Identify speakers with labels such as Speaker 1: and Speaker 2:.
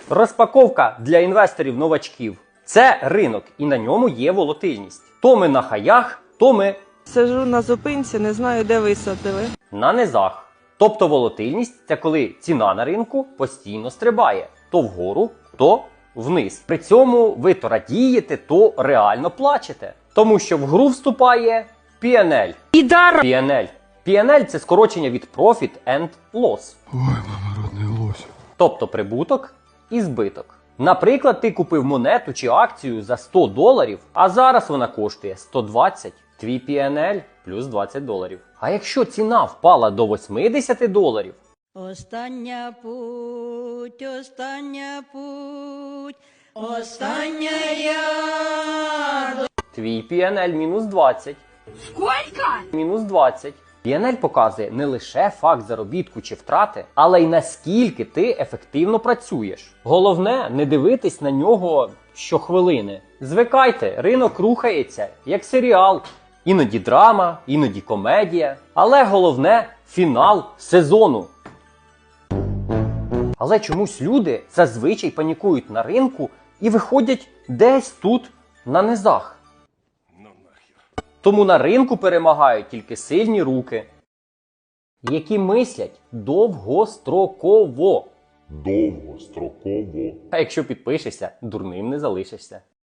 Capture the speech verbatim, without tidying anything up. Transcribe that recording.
Speaker 1: Розпаковка для інвесторів-новачків. Це ринок, і на ньому є волатильність. То ми на хаях, то ми
Speaker 2: Сижу на зупинці, не знаю, де висадили.
Speaker 1: на низах. Тобто волатильність – це коли ціна на ринку постійно стрибає. То вгору, то вниз. При цьому ви то радієте, то реально плачете. Тому що в гру вступає пі ен ель.
Speaker 2: Ідар!
Speaker 1: пі ен ель. пі ен ель – це скорочення від Profit and Loss.
Speaker 3: Ой, мама, родний лось.
Speaker 1: Тобто прибуток і збиток. Наприклад, ти купив монету чи акцію за сто доларів, а зараз вона коштує сто двадцять. Твій пі ен ель плюс двадцять доларів. А якщо ціна впала до вісімдесят доларів,
Speaker 4: Остання путь, остання путь, остання я.
Speaker 1: твій пі ен ель мінус двадцять.
Speaker 4: Сколько?
Speaker 1: Мінус двадцять. пі ен ель показує не лише факт заробітку чи втрати, але й наскільки ти ефективно працюєш. Головне, не дивитись на нього щохвилини. Звикайте, ринок рухається, як серіал. Іноді драма, іноді комедія. Але головне – фінал сезону. Але чомусь люди зазвичай панікують на ринку і виходять десь тут, на низах. Тому на ринку перемагають тільки сильні руки, які мислять довгостроково.
Speaker 3: Довгостроково.
Speaker 1: А якщо підпишешся, дурним не залишишся.